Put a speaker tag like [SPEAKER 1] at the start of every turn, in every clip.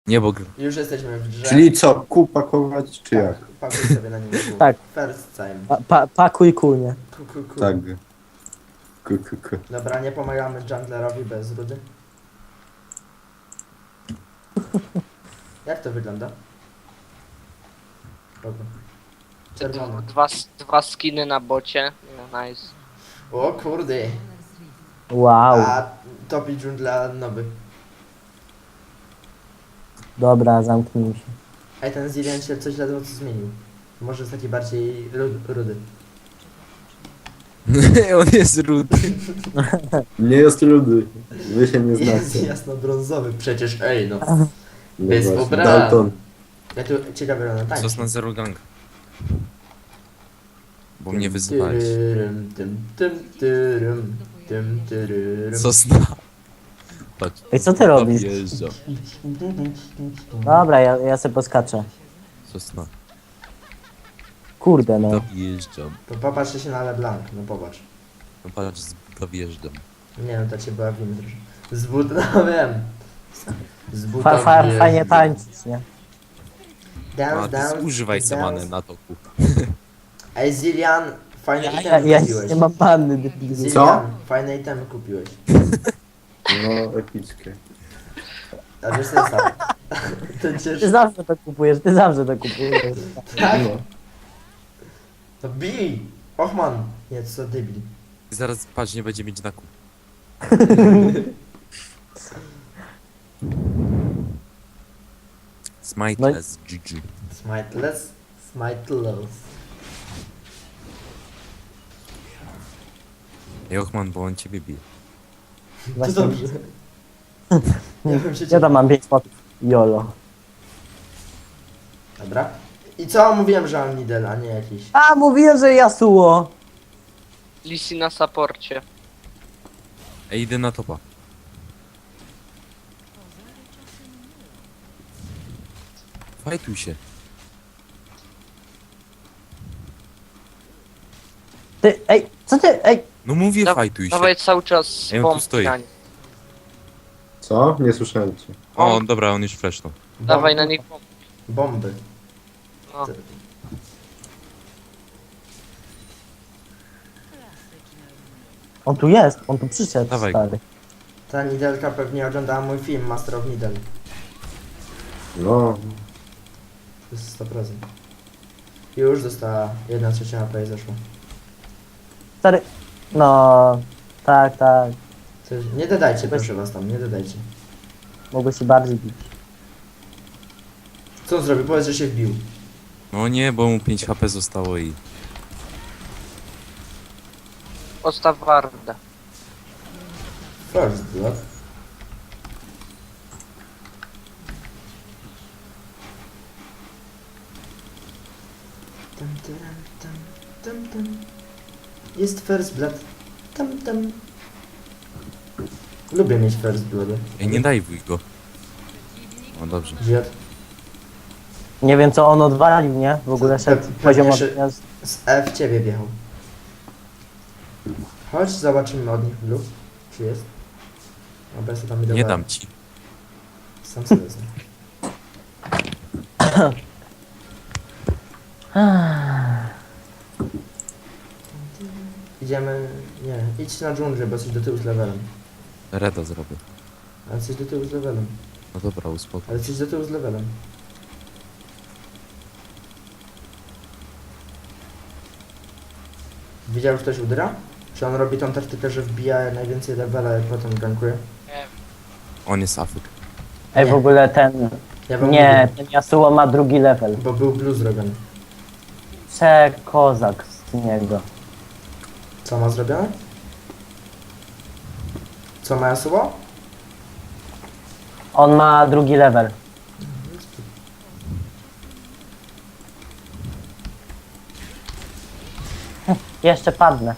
[SPEAKER 1] Nie, bo
[SPEAKER 2] Już jesteśmy w grze.
[SPEAKER 3] Czyli co, kół pakować, czy jak?
[SPEAKER 2] Pakuj sobie na nim kół.
[SPEAKER 4] Tak.
[SPEAKER 2] First time.
[SPEAKER 4] Pakuj kunie.
[SPEAKER 2] Ku.
[SPEAKER 3] Tak. K.
[SPEAKER 2] Dobra, nie pomagamy junglerowi bez rudy. Jak to wygląda? Dobra. Czerwony.
[SPEAKER 5] Dwa skiny na bocie. No nice.
[SPEAKER 2] O kurde.
[SPEAKER 4] Wow.
[SPEAKER 2] A topi dżungla nowy.
[SPEAKER 4] Dobra, zamknij się.
[SPEAKER 2] Ej, ten Zillion się coś ledwo co zmienił. Może jest taki bardziej rudy.
[SPEAKER 1] on jest rudy.
[SPEAKER 3] Nie jest ludy. Wy się nie
[SPEAKER 2] Jest
[SPEAKER 3] znacie.
[SPEAKER 2] jasno-brązowy przecież, ej no.
[SPEAKER 3] No
[SPEAKER 2] Jest
[SPEAKER 3] właśnie,
[SPEAKER 2] pobrany.
[SPEAKER 3] Dalton.
[SPEAKER 2] Ja tu ciekawe na tańczy.
[SPEAKER 1] Sos na zero gang. Bo mnie wyzywałeś.
[SPEAKER 2] Tym.
[SPEAKER 1] Sos na... Patrz.
[SPEAKER 4] Ej, co ty robisz?
[SPEAKER 1] Dojeżdżam.
[SPEAKER 4] Dobra, ja sobie poskaczę.
[SPEAKER 1] Sos na...
[SPEAKER 4] Kurde no.
[SPEAKER 1] Dojeżdżam.
[SPEAKER 2] To popatrzcie się na LeBlanc, no popatrz.
[SPEAKER 1] No patrz, dojeżdżam.
[SPEAKER 2] Nie no, to cię była winy troszkę. Z but, no wiem. Z buta
[SPEAKER 4] Fajnie
[SPEAKER 2] wjeżdżam.
[SPEAKER 4] tańczyć, nie?
[SPEAKER 2] Dance,
[SPEAKER 1] A ty
[SPEAKER 2] dance,
[SPEAKER 1] używaj
[SPEAKER 2] dance.
[SPEAKER 1] samany na toku.
[SPEAKER 2] Ej, Zillian, fajne
[SPEAKER 4] Ja
[SPEAKER 2] itemy kupiłeś.
[SPEAKER 4] nie mam panny, debilu.
[SPEAKER 2] Zillian, fajne itemy kupiłeś.
[SPEAKER 3] No, epickie.
[SPEAKER 2] A wiesz co jest tak? Ten
[SPEAKER 4] Ty
[SPEAKER 2] cięższy.
[SPEAKER 4] zawsze to kupujesz, ty zawsze to kupujesz.
[SPEAKER 2] Tak?
[SPEAKER 3] No.
[SPEAKER 2] To bij! Ochman! Nie, co debil.
[SPEAKER 1] Zaraz patrz, nie będzie mieć znaku. Smiteless, GG.
[SPEAKER 2] Smiteless, smiteless.
[SPEAKER 1] Jochman, bo on ciebie bije.
[SPEAKER 2] To
[SPEAKER 4] Właśnie,
[SPEAKER 2] dobrze. Ja bym się
[SPEAKER 4] ja tam mam 5 spotów. Jolo.
[SPEAKER 2] Dobra. I co? Mówiłem, że mam Nidel, a nie jakiś.
[SPEAKER 4] A, mówiłem, że Yasuo.
[SPEAKER 5] Lisi na saporcie.
[SPEAKER 1] Ej, idę na topa. Fajtuj się.
[SPEAKER 4] Ty, ej, co ty, ej.
[SPEAKER 1] No mówię, fajtuj się.
[SPEAKER 5] Dawaj cały czas
[SPEAKER 1] Ej, on tu
[SPEAKER 5] bomb
[SPEAKER 1] stoi.
[SPEAKER 5] na nich.
[SPEAKER 3] Co? Nie słyszałem cię.
[SPEAKER 1] O, dobra, on już flashnął.
[SPEAKER 5] Dawaj na nich bomb.
[SPEAKER 2] Bomby.
[SPEAKER 5] No.
[SPEAKER 4] On tu jest, on tu przyszedł,
[SPEAKER 1] Dawaj.
[SPEAKER 4] stary.
[SPEAKER 2] Ta Nidelka pewnie oglądała mój film Master of Nidel.
[SPEAKER 3] No,
[SPEAKER 2] To jest 100%. Już dostała 1/3 HP i zeszła.
[SPEAKER 4] Stary, no, tak, tak.
[SPEAKER 2] Nie dodajcie, proszę was tam, nie dodajcie.
[SPEAKER 4] Mogę się bardziej bić.
[SPEAKER 2] Co on zrobił? Powiedz, że się wbił.
[SPEAKER 1] No nie, bo mu 5 HP zostało i...
[SPEAKER 5] Postaw wardę.
[SPEAKER 2] First blood. Tam, tam, tam, tam, tam. Jest first blood. Tam. Lubię mieć first blood.
[SPEAKER 1] Ej, nie daj wuj go. No dobrze.
[SPEAKER 2] Zjadł.
[SPEAKER 4] Nie wiem, co on odwalił, nie? W ogóle szedł
[SPEAKER 2] Pewnie
[SPEAKER 4] poziom od
[SPEAKER 2] szy-
[SPEAKER 4] gniazd.
[SPEAKER 2] Z E w ciebie wjechał. Chodź, zobaczymy od nich blue. Czy jest? Dobra, sobie tam idę.
[SPEAKER 1] Nie dam ci.
[SPEAKER 2] Sam sobie wezmę. Idziemy... Nie, idź na dżunglę, bo jesteś do tyłu z levelem.
[SPEAKER 1] Reda zrobię.
[SPEAKER 2] Ale jesteś do tyłu z levelem.
[SPEAKER 1] No dobra, uspokój.
[SPEAKER 2] Ale jesteś do tyłu z levelem. Widział już ktoś Udra? Czy on robi tą taktykę, że wbija najwięcej levela i potem gankuje?
[SPEAKER 1] On jest afyk.
[SPEAKER 4] Ej,
[SPEAKER 2] Nie.
[SPEAKER 4] w ogóle ten...
[SPEAKER 2] Ja wam
[SPEAKER 4] Nie,
[SPEAKER 2] mówię,
[SPEAKER 4] ten Yasuo ma drugi level.
[SPEAKER 2] bo był blue zrobiony.
[SPEAKER 4] Kozak z niego.
[SPEAKER 2] Co ma zrobione? Co ma Yasuo?
[SPEAKER 4] On ma drugi level. Jeszcze padnę.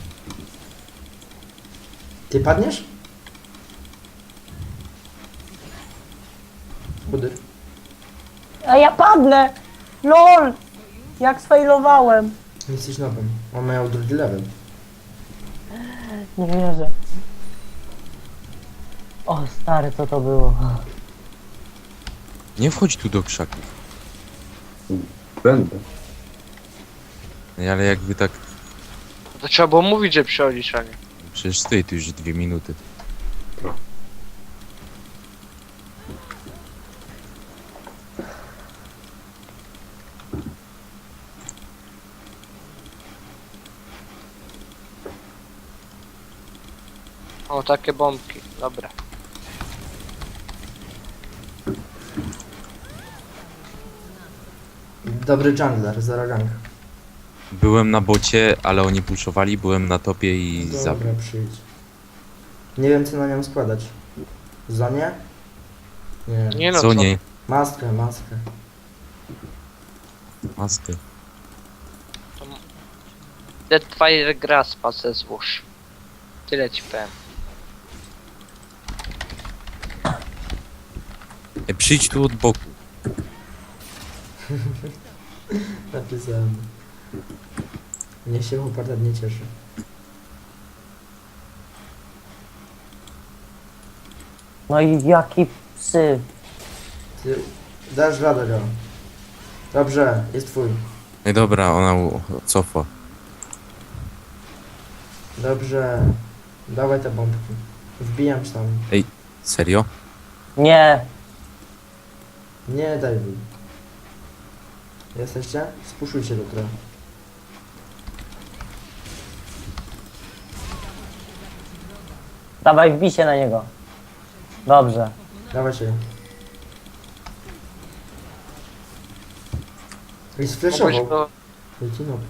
[SPEAKER 2] Ty padniesz? Budyr.
[SPEAKER 4] A ja padnę! LOL! Jak sfailowałem.
[SPEAKER 2] Jesteś nowym. On miał drugi level.
[SPEAKER 4] Nie wierzę. O stary, co to było?
[SPEAKER 1] Nie wchodź tu do krzaków.
[SPEAKER 3] Będę.
[SPEAKER 1] Ej, ale jakby tak...
[SPEAKER 5] To trzeba było mówić, że przychodzisz, a nie.
[SPEAKER 1] Przecież stoi tu już 2 minuty.
[SPEAKER 5] O, takie bombki. Dobra.
[SPEAKER 2] Dobry jungler, zero gank.
[SPEAKER 1] Byłem na bocie, ale oni puszowali, byłem na topie i
[SPEAKER 2] Dobra,
[SPEAKER 1] zabił.
[SPEAKER 2] przyjdź. Nie wiem co na nią składać. Zonie? Nie.
[SPEAKER 5] Nie no,
[SPEAKER 1] Co
[SPEAKER 5] co?
[SPEAKER 1] nie?
[SPEAKER 2] Maskę, maskę.
[SPEAKER 1] Maskę.
[SPEAKER 5] Deadfire Graspa se złóż. Tyle ci powiem.
[SPEAKER 1] Ej, przyjdź tu od boku.
[SPEAKER 2] Napisałem. Niech się chłopak nie cieszy.
[SPEAKER 4] No i jaki psy.
[SPEAKER 2] Ty dasz radę go. Dobrze, jest twój.
[SPEAKER 1] Ej, dobra, ona cofa.
[SPEAKER 2] Dobrze. Dawaj te bombki. Wbijam się tam.
[SPEAKER 1] Serio?
[SPEAKER 4] Nie.
[SPEAKER 2] Nie daj mi. Jesteście? Spuszujcie go trochę.
[SPEAKER 4] Dawaj, wbij się na niego. Dobrze.
[SPEAKER 2] Dawajcie. I
[SPEAKER 5] Mogłeś
[SPEAKER 2] sfleszował.
[SPEAKER 5] go...
[SPEAKER 2] Jaki noob.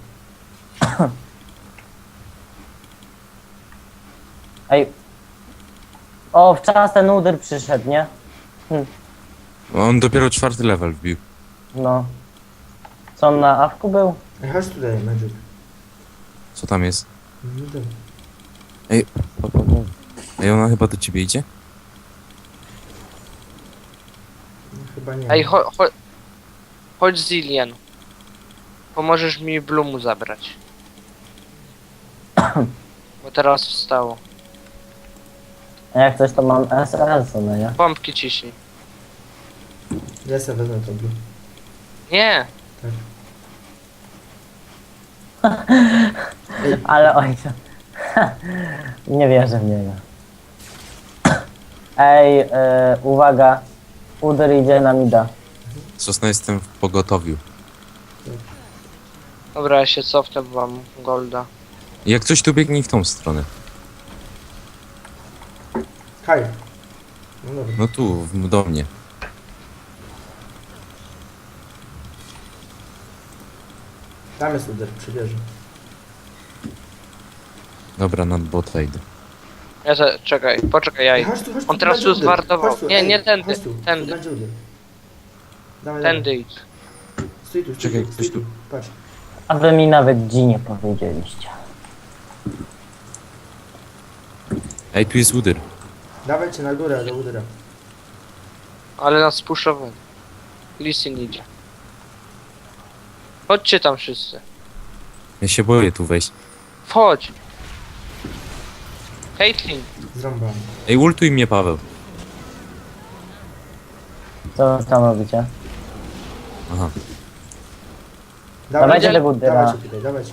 [SPEAKER 4] Ej. O, wczoraj ten uder przyszedł, nie?
[SPEAKER 1] On dopiero 4. level wbił.
[SPEAKER 4] No. Co on na awku był?
[SPEAKER 2] Ej, chodź tutaj, Magic.
[SPEAKER 1] Co tam jest?
[SPEAKER 2] No dobra.
[SPEAKER 1] Ej, ona chyba do ciebie idzie?
[SPEAKER 2] No, chyba nie.
[SPEAKER 5] Ej, chodź Zillian. Pomożesz mi Bloomu zabrać. Bo teraz wstało.
[SPEAKER 4] A jak coś to mam SRS, no nie?
[SPEAKER 5] Pompki ciśnij.
[SPEAKER 2] Ja sobie wezmę to blue.
[SPEAKER 5] Nie!
[SPEAKER 2] Ej,
[SPEAKER 4] Ale ojca. Nie wierzę w niego. Ej, uwaga. Uder idzie na mida.
[SPEAKER 1] Sosna, jestem w pogotowiu.
[SPEAKER 5] Dobra, ja się cofnę, bo mam golda.
[SPEAKER 1] Jak coś tu biegnie w tą stronę.
[SPEAKER 2] Kaj. No dobra.
[SPEAKER 1] No tu, do mnie.
[SPEAKER 2] Tam jest uder, przy wieży.
[SPEAKER 1] Dobra, nad bota idę.
[SPEAKER 5] Czekaj, poczekaj, ja
[SPEAKER 2] Ej,
[SPEAKER 5] idę.
[SPEAKER 2] chodź tu,
[SPEAKER 5] On teraz
[SPEAKER 2] będzie
[SPEAKER 5] tu
[SPEAKER 2] uder.
[SPEAKER 5] zwartował.
[SPEAKER 2] Chodź tu,
[SPEAKER 5] Nie,
[SPEAKER 2] ej,
[SPEAKER 5] nie tędy,
[SPEAKER 2] chodź tu,
[SPEAKER 5] tędy.
[SPEAKER 2] Tu będzie uder. Dawaj,
[SPEAKER 5] Tędy
[SPEAKER 2] dawaj.
[SPEAKER 5] idź.
[SPEAKER 2] Stój tu, stój
[SPEAKER 1] Czekaj,
[SPEAKER 2] tu,
[SPEAKER 1] ktoś
[SPEAKER 2] stój tu.
[SPEAKER 1] tu.
[SPEAKER 2] Patrz.
[SPEAKER 4] A wy mi nawet G nie powiedzieliście.
[SPEAKER 1] Ej, tu jest udyr.
[SPEAKER 2] Dawajcie na górę, do udera.
[SPEAKER 5] Ale nas spuszczowali. Lissin idzie. Chodźcie tam wszyscy.
[SPEAKER 1] Ja się boję tu wejść.
[SPEAKER 5] Wchodź! Caitlyn!
[SPEAKER 2] Zrąbany.
[SPEAKER 1] Ej, ultuj mnie, Paweł.
[SPEAKER 4] Co wy tam robicie?
[SPEAKER 1] Aha.
[SPEAKER 4] Dawajcie tego udera.
[SPEAKER 2] Dawajcie tutaj, dawajcie.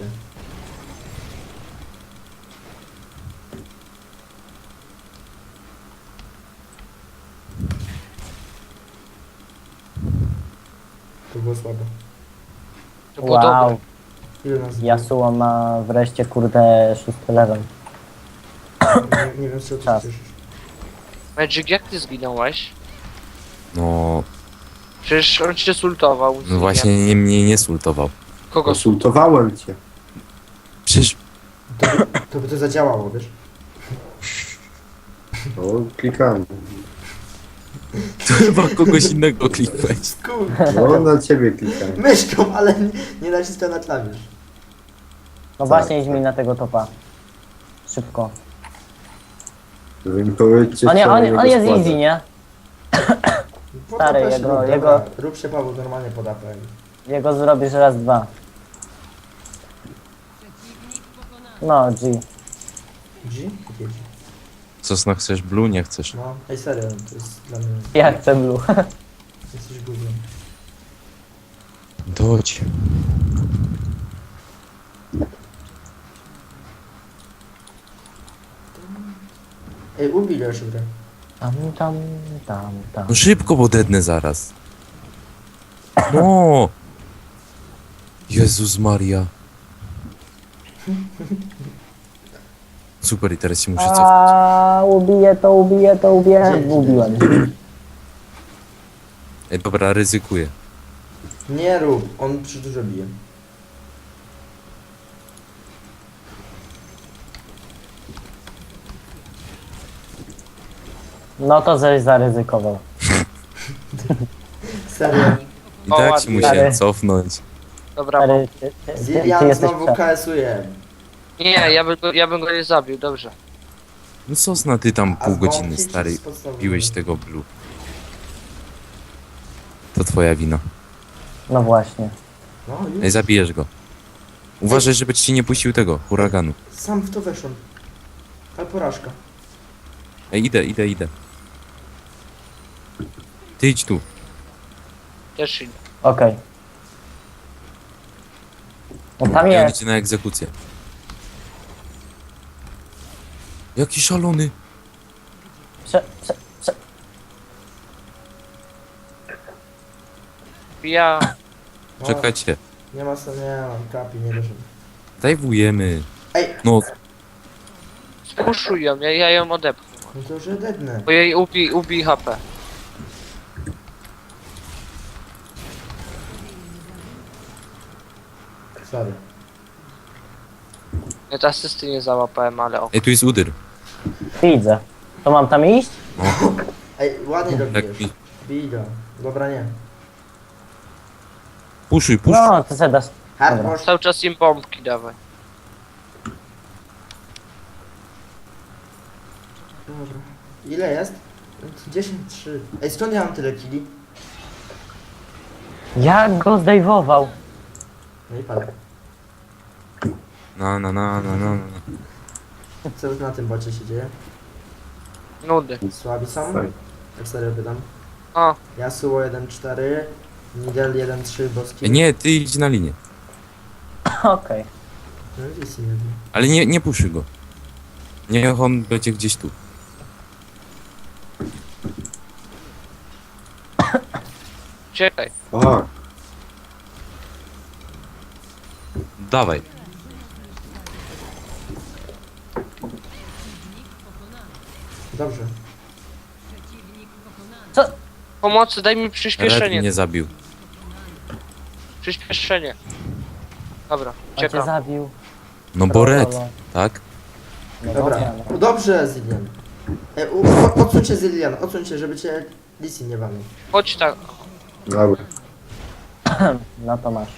[SPEAKER 2] To było słabe.
[SPEAKER 5] To było dobre.
[SPEAKER 4] Wow.
[SPEAKER 2] Ile nas
[SPEAKER 4] Yasuo ma wreszcie kurde 6 level.
[SPEAKER 2] nie wiem, z czego ty
[SPEAKER 4] Czas.
[SPEAKER 2] się cieszysz.
[SPEAKER 5] Magic, jak ty zginąłeś?
[SPEAKER 1] No,
[SPEAKER 5] Przecież on cię sultował.
[SPEAKER 1] no właśnie nie, mnie nie sultował.
[SPEAKER 5] Kogo
[SPEAKER 3] Konsultowałem cię.
[SPEAKER 1] Przecież
[SPEAKER 2] To by to zadziałało, wiesz?
[SPEAKER 3] No, klikałem.
[SPEAKER 1] to chyba kogoś innego klikłeś.
[SPEAKER 3] No, na ciebie klikałem.
[SPEAKER 2] Myszką, ale nie naciskam na klawisz.
[SPEAKER 4] No właśnie idź mi na tego topa. Szybko.
[SPEAKER 3] Wy mi powiedzcie,
[SPEAKER 4] On,
[SPEAKER 3] co
[SPEAKER 4] on,
[SPEAKER 3] jego
[SPEAKER 4] on jest
[SPEAKER 3] składa.
[SPEAKER 4] easy, nie?
[SPEAKER 2] Po
[SPEAKER 4] Stary,
[SPEAKER 2] AP się
[SPEAKER 4] jego-
[SPEAKER 2] rób, dobra.
[SPEAKER 4] jego-
[SPEAKER 2] Rób się, Paweł, normalnie pod AP.
[SPEAKER 4] Jego zrobisz raz, dwa. No, G.
[SPEAKER 2] G? Jakie G?
[SPEAKER 1] Sosna, chcesz blue? Nie chcesz.
[SPEAKER 2] No, ej serio, to jest dla mnie...
[SPEAKER 4] Ja chcę blue.
[SPEAKER 2] Jesteś gównem.
[SPEAKER 1] Dodź.
[SPEAKER 2] Ej, ubij już grę.
[SPEAKER 4] Tam.
[SPEAKER 1] No szybko, bo dednę zaraz. No! Jezus Maria. Super, i teraz się muszę cofnąć.
[SPEAKER 4] A ubiję to. Ubiłem.
[SPEAKER 1] Ej, dobra, ryzykuję.
[SPEAKER 2] Nie rób, on przy dużo bije.
[SPEAKER 4] No to żeś zaryzykował.
[SPEAKER 2] Serio.
[SPEAKER 1] I
[SPEAKER 5] O,
[SPEAKER 1] tak się
[SPEAKER 5] ładnie.
[SPEAKER 1] musiałem cofnąć.
[SPEAKER 5] Dobra,
[SPEAKER 4] Stary, ty
[SPEAKER 2] Zilian
[SPEAKER 4] jesteś
[SPEAKER 2] znowu
[SPEAKER 4] prze...
[SPEAKER 2] KS-uje.
[SPEAKER 5] nie, ja bym go nie zabił, dobrze.
[SPEAKER 1] No Sosna, ty tam
[SPEAKER 2] A
[SPEAKER 1] pół
[SPEAKER 2] z
[SPEAKER 1] godziny,
[SPEAKER 2] bombki czy
[SPEAKER 1] stary,
[SPEAKER 2] z podstawowej?
[SPEAKER 1] piłeś tego blue. To twoja wina.
[SPEAKER 4] No właśnie.
[SPEAKER 2] No
[SPEAKER 1] Ej,
[SPEAKER 2] już.
[SPEAKER 1] zabijesz go. Uważaj, żeby ci nie puścił tego, huraganu.
[SPEAKER 2] Sam w to weszłem. Ale porażka.
[SPEAKER 1] Ej, idę. Ty idź tu.
[SPEAKER 5] Też idę.
[SPEAKER 4] Okej. No tam
[SPEAKER 1] Ja on
[SPEAKER 4] jest.
[SPEAKER 1] idzie na egzekucję. Jaki szalony.
[SPEAKER 4] Prze...
[SPEAKER 5] Ja...
[SPEAKER 2] No,
[SPEAKER 1] Czekajcie.
[SPEAKER 2] Nie ma sensu, nie mam kapi, nie doszedł.
[SPEAKER 1] Dajwujemy.
[SPEAKER 2] Ej,
[SPEAKER 1] No,
[SPEAKER 5] Spuszuj ją, ja ją odepchnę.
[SPEAKER 2] no to już dednę.
[SPEAKER 5] Bo jej ubij HP.
[SPEAKER 2] Sorry.
[SPEAKER 5] Ja te asysty nie załapałem, ale ok.
[SPEAKER 1] ej, tu jest udyr.
[SPEAKER 4] Widzę. To mam tam iść?
[SPEAKER 2] Ej, ładnie go
[SPEAKER 1] Tak
[SPEAKER 2] bijesz.
[SPEAKER 1] mi.
[SPEAKER 2] Bij go. Dobra, nie.
[SPEAKER 1] Puszuj.
[SPEAKER 4] No, to se dasz.
[SPEAKER 2] Hardcore.
[SPEAKER 5] Cały czas im bombki dawaj.
[SPEAKER 2] Dobra. Ile jest? 10, 3. Ej, skąd ja mam tyle kili?
[SPEAKER 4] Jak go zdejwował?
[SPEAKER 2] No i padek.
[SPEAKER 1] No.
[SPEAKER 2] Co na tym bocie się dzieje?
[SPEAKER 5] Nudy.
[SPEAKER 2] Słabi są?
[SPEAKER 3] Tak.
[SPEAKER 2] Tak serio pytam.
[SPEAKER 5] O,
[SPEAKER 2] Yasuo 1-4, Nidal 1-3, Boski.
[SPEAKER 1] Ej, nie, ty idź na linię.
[SPEAKER 4] Okej.
[SPEAKER 2] No i Lissi jeden.
[SPEAKER 1] Ale nie puszuj go. Niech on będzie gdzieś tu.
[SPEAKER 5] czekaj.
[SPEAKER 3] Fuck.
[SPEAKER 1] Dawaj.
[SPEAKER 2] Dobrze.
[SPEAKER 5] Pomocy, daj mi
[SPEAKER 1] Red
[SPEAKER 5] przyspieszenie.
[SPEAKER 1] mnie zabił.
[SPEAKER 5] Przyspieszenie. Dobra,
[SPEAKER 4] On cię
[SPEAKER 5] czekam.
[SPEAKER 4] zabił.
[SPEAKER 1] No bo red, tak?
[SPEAKER 4] No
[SPEAKER 2] Dobra.
[SPEAKER 4] no.
[SPEAKER 2] Dobrze, Zillian. Ej, odsuńcie Zillian, odsuńcie, żeby cię Lissi nie walił.
[SPEAKER 5] Chodź tak.
[SPEAKER 3] Dobra.
[SPEAKER 4] No to masz.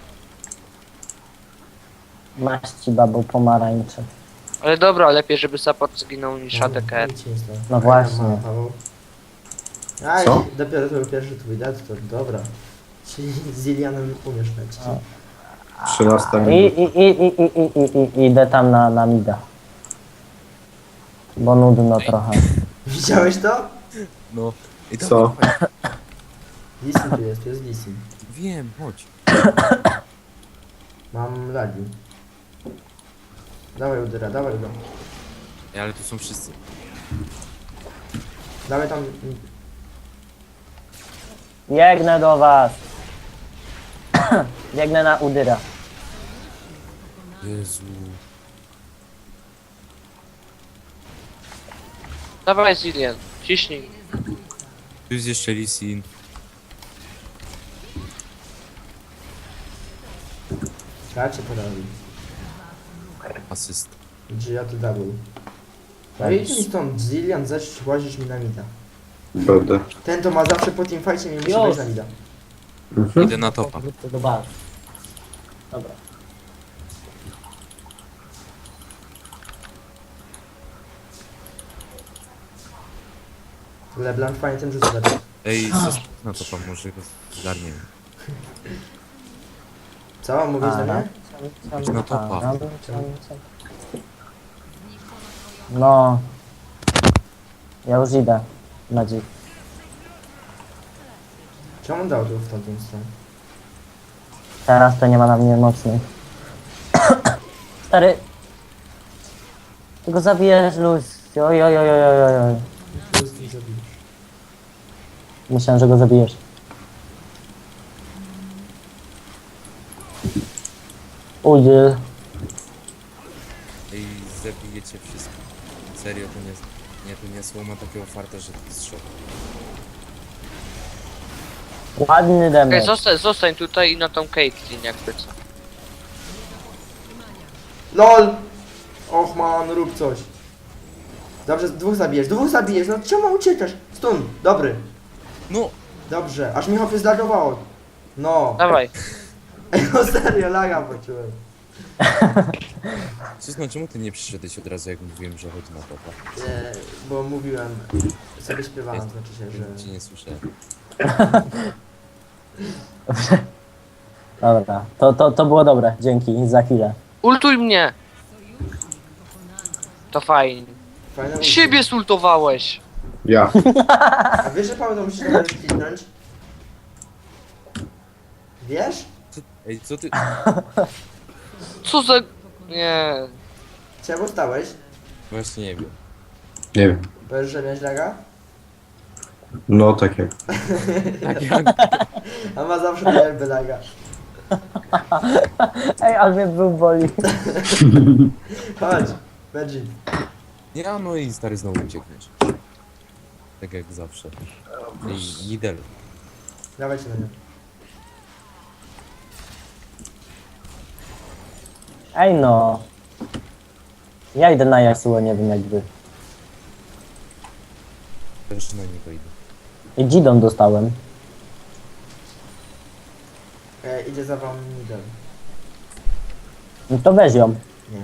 [SPEAKER 4] Masz ci babu pomarańczy.
[SPEAKER 5] Ale dobra, lepiej żeby support zginął niż ADKR.
[SPEAKER 2] Nic się nie stało.
[SPEAKER 4] No
[SPEAKER 2] A,
[SPEAKER 4] właśnie.
[SPEAKER 2] ja mam, Paweł. Aj,
[SPEAKER 3] Co?
[SPEAKER 2] dopiero to był pierwszy twój dat, to dobra. Czyli z Zillianem umiesz lecieć.
[SPEAKER 4] A.
[SPEAKER 3] 13
[SPEAKER 4] I,
[SPEAKER 3] minut.
[SPEAKER 4] idę tam na mida. Bo nudno trochę.
[SPEAKER 2] Widziałeś to?
[SPEAKER 1] No. I
[SPEAKER 3] Co?
[SPEAKER 2] Lissi tu jest Lissi.
[SPEAKER 1] Wiem, chodź.
[SPEAKER 2] Mam lagi. Dawaj Udyra, dawaj go.
[SPEAKER 1] Ej, ale tu są wszyscy.
[SPEAKER 2] Dawaj tam...
[SPEAKER 4] Biegnę do was. Biegnę na Udyra.
[SPEAKER 1] Jezu.
[SPEAKER 5] Dawaj Zillian, ciśnij.
[SPEAKER 1] Tu jest jeszcze Lisin.
[SPEAKER 2] Kracie porazi.
[SPEAKER 1] Asyst.
[SPEAKER 2] Gia to double. No idź mi stąd, Zillian, zaś łazisz mi na mida.
[SPEAKER 3] Będę.
[SPEAKER 2] Ten to ma zawsze po teamfightie mi musi
[SPEAKER 4] Już.
[SPEAKER 2] wejść na mida.
[SPEAKER 1] Idę na topa.
[SPEAKER 4] Do bazy. Dobra.
[SPEAKER 2] LeBlanc fajnie tym rzuca.
[SPEAKER 1] Ej, na topa, może go zgarniemy.
[SPEAKER 2] Co? Mówisz do mnie?
[SPEAKER 1] Na topa.
[SPEAKER 4] No. Ja już idę. Na dzik.
[SPEAKER 2] Czemu on dał tu w tamtą stronę?
[SPEAKER 4] Teraz to nie ma na mnie mocnych. Stary. Ty go zabijesz, Lucio. Oj, oj, oj, oj, oj, oj.
[SPEAKER 2] Tu z nim zabijesz.
[SPEAKER 4] Myślałem, że go zabijesz. Udziel.
[SPEAKER 1] Ej, zabijecie wszystko. Serio, to nie... Nie, to nie słowo ma takiego farta, że to jest szok.
[SPEAKER 4] Ładny
[SPEAKER 5] Okej,
[SPEAKER 4] damage.
[SPEAKER 5] zostań tutaj i na tą Caitlyn jakby co.
[SPEAKER 2] LOL! Och man, rób coś. Dobrze, dwóch zabijesz, no czemu uciekasz? Stun, dobry.
[SPEAKER 1] No!
[SPEAKER 2] Dobrze, aż mi hopy zlagowało. No.
[SPEAKER 5] Dawaj.
[SPEAKER 2] Ej, no serio, laga poczułem.
[SPEAKER 1] Susno, czemu ty nie przyszedłeś od razu, jak mówiłem, że chodzi na topa?
[SPEAKER 2] Bo mówiłem, sobie śpiewałem, znaczy się,
[SPEAKER 1] Cię
[SPEAKER 2] że...
[SPEAKER 1] nie słyszę.
[SPEAKER 4] Dobra, to było dobre. Dzięki za chwilę.
[SPEAKER 5] Ultuj mnie! To fajnie.
[SPEAKER 2] Fajne ulti.
[SPEAKER 5] Siebie sultowałeś!
[SPEAKER 3] Ja.
[SPEAKER 2] A wiesz, że Paweł to musisz nawet kliknąć? Wiesz?
[SPEAKER 1] Ej, co ty...
[SPEAKER 5] Co za... Nie...
[SPEAKER 2] Czemu stałeś?
[SPEAKER 1] Właśnie nie wiem.
[SPEAKER 3] Nie wiem.
[SPEAKER 2] Powiesz, że miałeś laga?
[SPEAKER 3] No tak jak.
[SPEAKER 1] Tak jak...
[SPEAKER 2] A ma zawsze tak jakby laga.
[SPEAKER 4] Ej, ale mnie był boli.
[SPEAKER 2] Chodź, Veggie.
[SPEAKER 1] Nie, no i stary znowu uciekniesz. Tak jak zawsze. Ej, Nidel.
[SPEAKER 2] Dawajcie na nią.
[SPEAKER 4] Ej no. Ja idę na Yasuo, nie wiem jakby.
[SPEAKER 1] Też na niego idę.
[SPEAKER 4] I Gidon dostałem.
[SPEAKER 2] Idzie za wam Nidal.
[SPEAKER 4] No to weź ją.
[SPEAKER 2] Nie.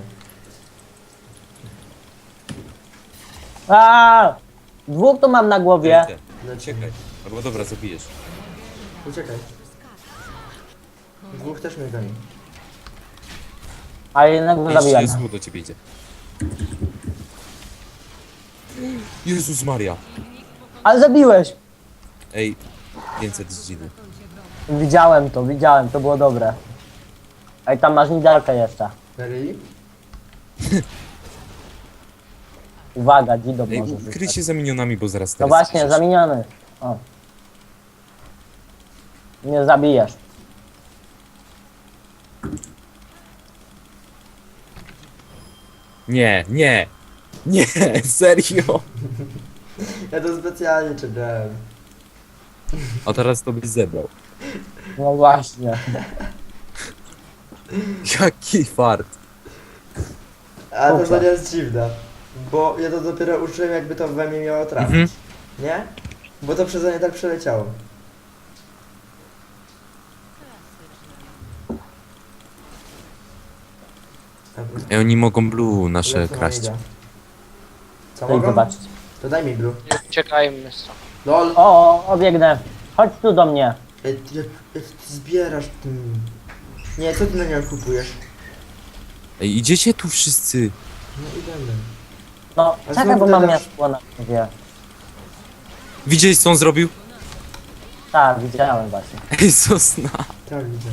[SPEAKER 4] A! Dwóch tu mam na głowie.
[SPEAKER 1] Ej, te, uciekaj. Albo dobra, zabijesz.
[SPEAKER 2] Uciekaj. Dwóch też mnie goni.
[SPEAKER 4] A jednego
[SPEAKER 1] Ej,
[SPEAKER 4] zabijam.
[SPEAKER 1] Jezu, do ciebie idzie. Jezus Maria.
[SPEAKER 4] Ale zabiłeś!
[SPEAKER 1] Ej, 500 z dziny.
[SPEAKER 4] Widziałem, to było dobre. Ej, tam masz nidalkę jeszcze.
[SPEAKER 2] Really?
[SPEAKER 4] Uwaga, Gidon
[SPEAKER 1] Ej,
[SPEAKER 4] może
[SPEAKER 1] ukryj
[SPEAKER 4] zostać.
[SPEAKER 1] się za minionami, bo zaraz
[SPEAKER 4] No
[SPEAKER 1] teraz
[SPEAKER 4] właśnie,
[SPEAKER 1] zniszczysz.
[SPEAKER 4] zamieniony. O. Nie zabijesz.
[SPEAKER 1] Nie, nie. Nie, serio.
[SPEAKER 2] Ja to specjalnie czekałem.
[SPEAKER 1] A teraz to byś zebrał.
[SPEAKER 4] No właśnie.
[SPEAKER 1] Jaki fart.
[SPEAKER 2] A to
[SPEAKER 4] Kurczę.
[SPEAKER 2] nie jest dziwne. Bo ja to dopiero uczyłem, jakby to we mnie miało trafić.
[SPEAKER 1] Mhm.
[SPEAKER 2] Nie? Bo to przeze mnie tak przeleciało.
[SPEAKER 1] Ej, oni mogą blue nasze
[SPEAKER 2] Lecą na
[SPEAKER 1] kraść.
[SPEAKER 2] mida. Co
[SPEAKER 4] To idź
[SPEAKER 2] mogą?
[SPEAKER 4] zobaczyć.
[SPEAKER 2] To daj mi blue.
[SPEAKER 5] Nie uciekajmy stąd.
[SPEAKER 2] LOL!
[SPEAKER 4] O, obiegnę. Chodź tu do mnie.
[SPEAKER 2] Ej, jak ty zbierasz tym... Nie, co ty na nią kupujesz?
[SPEAKER 1] Ej, idziecie tu wszyscy.
[SPEAKER 2] No idziemy.
[SPEAKER 4] No,
[SPEAKER 2] A
[SPEAKER 4] czekaj,
[SPEAKER 2] znowu
[SPEAKER 4] bo mam
[SPEAKER 2] dodasz-
[SPEAKER 4] miasto na głowie.
[SPEAKER 1] Widziałeś, co on zrobił?
[SPEAKER 4] Tak, widziałem właśnie.
[SPEAKER 1] Ej, Sosna.
[SPEAKER 2] Tak, widzę.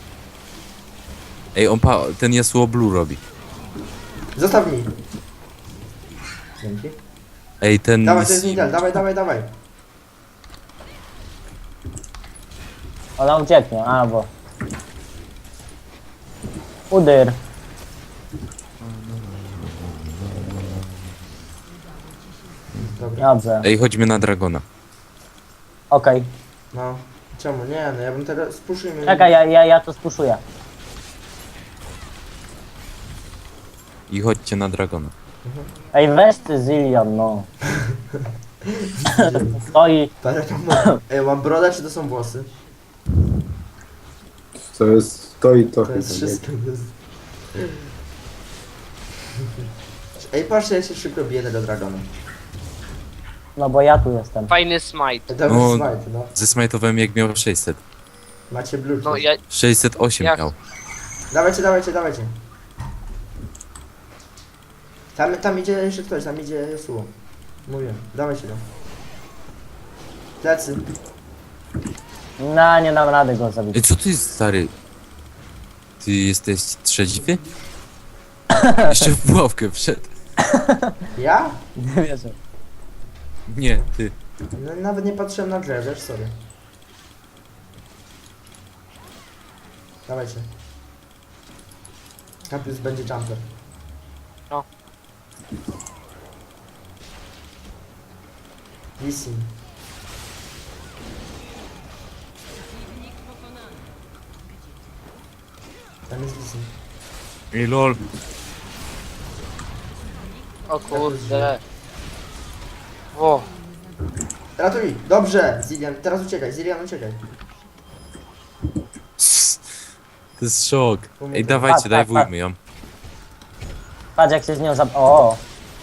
[SPEAKER 1] Ej, ten Yasuo blue robi.
[SPEAKER 2] Zostaw mi! Dzięki.
[SPEAKER 1] Ej, ten...
[SPEAKER 2] Dawaj, to jest Nidal, dawaj.
[SPEAKER 4] Ona ucieknie, albo... Udyr.
[SPEAKER 2] Dobra.
[SPEAKER 4] Dobrze.
[SPEAKER 1] Ej, chodźmy na Dragona.
[SPEAKER 4] Okej.
[SPEAKER 2] No. Czemu? Nie, no ja bym teraz... Spuszujmy.
[SPEAKER 4] Czekaj, ja to spuszuję.
[SPEAKER 1] I chodźcie na Dragona.
[SPEAKER 4] Ej, weź ty Zillion, no. Stoi.
[SPEAKER 2] Parę tam mam. Ej, mam brodę, czy to są włosy?
[SPEAKER 3] To jest to i to.
[SPEAKER 2] To jest
[SPEAKER 3] chyba, nie?
[SPEAKER 2] wszystko. To jest... Ej, patrzcie, ja się szybko biję tego dragona.
[SPEAKER 4] No bo ja tu jestem.
[SPEAKER 5] Fajny smite.
[SPEAKER 2] To
[SPEAKER 1] No.
[SPEAKER 2] jest smite, no.
[SPEAKER 1] Zesmajtowałem jak miał 600.
[SPEAKER 2] Macie blue.
[SPEAKER 5] No ja...
[SPEAKER 1] 608
[SPEAKER 5] Jak?
[SPEAKER 1] miał.
[SPEAKER 2] Dawajcie. Tam idzie jeszcze ktoś, tam idzie Yasuo. Mówię, dawajcie go. Plecy.
[SPEAKER 4] No, nie dam rady go zabić.
[SPEAKER 1] Ej, co ty jest, stary? Ty jesteś trzeźwy? Jeszcze w pułapkę wszedł.
[SPEAKER 2] Ja?
[SPEAKER 4] Nie wierzę.
[SPEAKER 1] Nie, ty.
[SPEAKER 2] No, nawet nie patrzyłem na grę, wiesz, sorry. Dawajcie. Capius będzie jumper.
[SPEAKER 5] No.
[SPEAKER 2] Lisin. Tam jest Lisin.
[SPEAKER 1] Ej, lol.
[SPEAKER 5] O kurde. O,
[SPEAKER 2] Ratuj! Dobrze! Zilian, teraz uciekaj, Zilian uciekaj.
[SPEAKER 1] To jest szok. Ej,
[SPEAKER 2] Pamiętam.
[SPEAKER 1] dawajcie,
[SPEAKER 4] Tak,
[SPEAKER 1] dajwujmy ją.
[SPEAKER 4] Patrz jak się z nią O!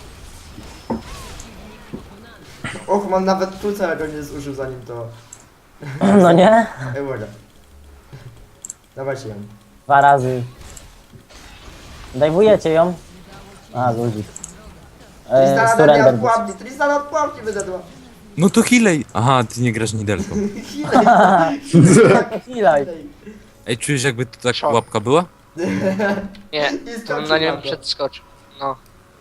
[SPEAKER 2] Och, man nawet tu całego nie zużył zanim to...
[SPEAKER 4] No nie?
[SPEAKER 2] Ej, uwaga. Dawajcie ją.
[SPEAKER 4] 2 razy. Dajwujecie ją? A, ludzi.
[SPEAKER 2] Tristana we mnie
[SPEAKER 4] Surrender.
[SPEAKER 2] odpułapki, Tristana odpułapki wydadła.
[SPEAKER 1] No to healej. Aha, ty nie grasz nidelką.
[SPEAKER 4] Chwila.
[SPEAKER 1] Ej, czujesz jakby to tak
[SPEAKER 5] Szok.
[SPEAKER 1] pułapka była?
[SPEAKER 5] nie,
[SPEAKER 2] I
[SPEAKER 5] to bym
[SPEAKER 2] skoczył
[SPEAKER 5] na nią
[SPEAKER 2] to.
[SPEAKER 5] przedskoczył. No.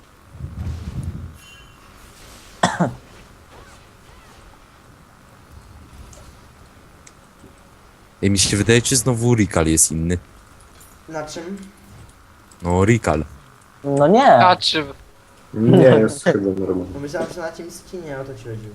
[SPEAKER 1] Ej, mi się wydaje, czy znowu Rikal jest inny.
[SPEAKER 2] Na czym?
[SPEAKER 1] No, Rikal.
[SPEAKER 4] No nie.
[SPEAKER 5] A czy...
[SPEAKER 3] Nie, jest chyba normalnie.
[SPEAKER 2] No myślałem, że na tym skinie o to ci chodziło.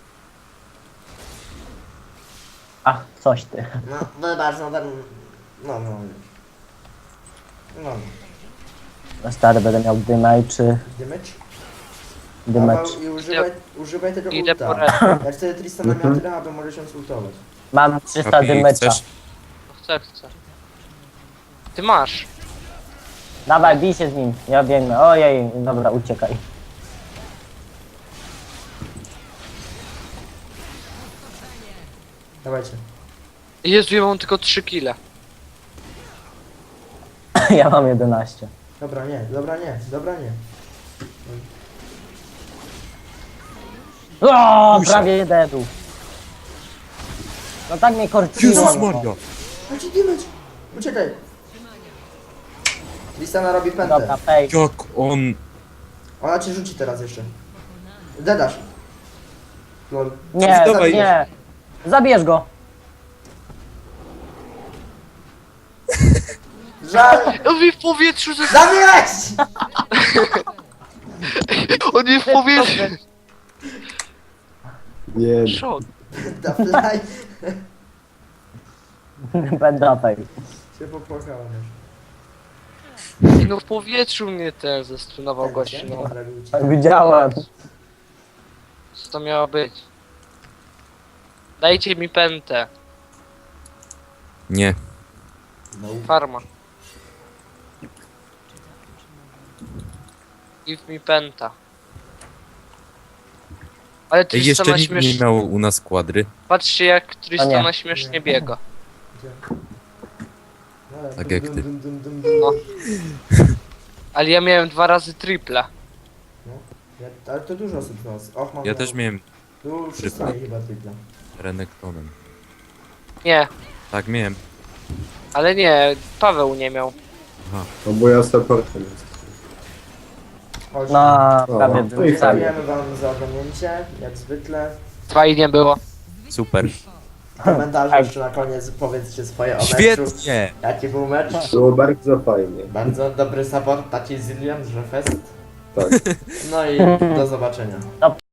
[SPEAKER 4] Ach, coś ty.
[SPEAKER 2] No, wybacz, no ten... No, no. No,
[SPEAKER 4] No stary, będę miał dymajczy.
[SPEAKER 2] dymycz?
[SPEAKER 4] Dymacz.
[SPEAKER 2] Paweł, i używaj tego
[SPEAKER 5] Idę po
[SPEAKER 2] ulta.
[SPEAKER 5] red.
[SPEAKER 2] Jak wtedy Tristana miał tyle, to możesz ją ultować.
[SPEAKER 4] Mam 300
[SPEAKER 1] Kapi,
[SPEAKER 4] dymecza.
[SPEAKER 1] chcesz?
[SPEAKER 5] Chcę. Ty masz.
[SPEAKER 4] Dawaj, bij się z nim. Ja biegnę. Ojej, dobra, uciekaj.
[SPEAKER 2] Dawajcie.
[SPEAKER 5] Jezu, ja mam tylko 3 kile.
[SPEAKER 4] Ja mam 11.
[SPEAKER 2] Dobra, nie, dobra, nie, dobra, nie.
[SPEAKER 4] O, prawie dedu. No tak mnie korciło.
[SPEAKER 1] Jezus
[SPEAKER 4] no.
[SPEAKER 1] Maria.
[SPEAKER 2] Chodź, dymycz! Uciekaj! Tristana robi pętę.
[SPEAKER 4] Dobra, fake.
[SPEAKER 1] Jak on...
[SPEAKER 2] Ona cię rzuci teraz jeszcze. Dedasz. Lol.
[SPEAKER 4] Nie,
[SPEAKER 1] Dawaj.
[SPEAKER 4] nie. Zabierz go.
[SPEAKER 2] Żal!
[SPEAKER 5] On mi w powietrzu ze...
[SPEAKER 2] Zabierz!
[SPEAKER 5] On mi w powietrzu...
[SPEAKER 3] Nie,
[SPEAKER 5] Szok.
[SPEAKER 2] Da fly.
[SPEAKER 4] Będę fake.
[SPEAKER 2] Się popłakałem już.
[SPEAKER 5] No w powietrzu mnie ten zestunował gościu, no.
[SPEAKER 2] Zrobił ci.
[SPEAKER 4] Widziałem.
[SPEAKER 5] Co to miało być? Dajcie mi pętę.
[SPEAKER 1] Nie.
[SPEAKER 2] No.
[SPEAKER 5] Farma. Give mi pęta. Ale
[SPEAKER 1] Ej,
[SPEAKER 5] Tristana
[SPEAKER 1] jeszcze nikt nie
[SPEAKER 5] śmiesznie...
[SPEAKER 1] miał u nas kwadry.
[SPEAKER 5] Patrzcie jak Tristana
[SPEAKER 4] nie.
[SPEAKER 5] śmiesznie biega.
[SPEAKER 2] Gdzie? No,
[SPEAKER 1] Tak jak ty.
[SPEAKER 5] No. Ale ja miałem 2 razy triple.
[SPEAKER 2] No. Ale to dużo osób z nas. Och, mam
[SPEAKER 1] Ja też miałem
[SPEAKER 2] Tu wszyscy
[SPEAKER 1] Tripla.
[SPEAKER 2] mieli chyba tripla.
[SPEAKER 1] Renektonem.
[SPEAKER 5] Nie,
[SPEAKER 1] Tak, miałem.
[SPEAKER 5] ale nie, Paweł nie miał.
[SPEAKER 3] no bo ja supportem jestem.
[SPEAKER 2] Chodź.
[SPEAKER 4] No,
[SPEAKER 3] O,
[SPEAKER 4] prawie
[SPEAKER 3] to
[SPEAKER 4] bym
[SPEAKER 3] i
[SPEAKER 4] zabił.
[SPEAKER 2] Dziękujemy wam za oglądnięcie, jak zwykle.
[SPEAKER 5] Fajnie było.
[SPEAKER 1] Super.
[SPEAKER 2] W komentarzu jeszcze na koniec powiedzcie swoje o meczu.
[SPEAKER 1] Świetnie!
[SPEAKER 2] Jaki był mecz?
[SPEAKER 3] Było bardzo fajnie.
[SPEAKER 2] Bardzo dobry support, taki Zillion, że fest.
[SPEAKER 3] Tak.
[SPEAKER 2] No i do zobaczenia.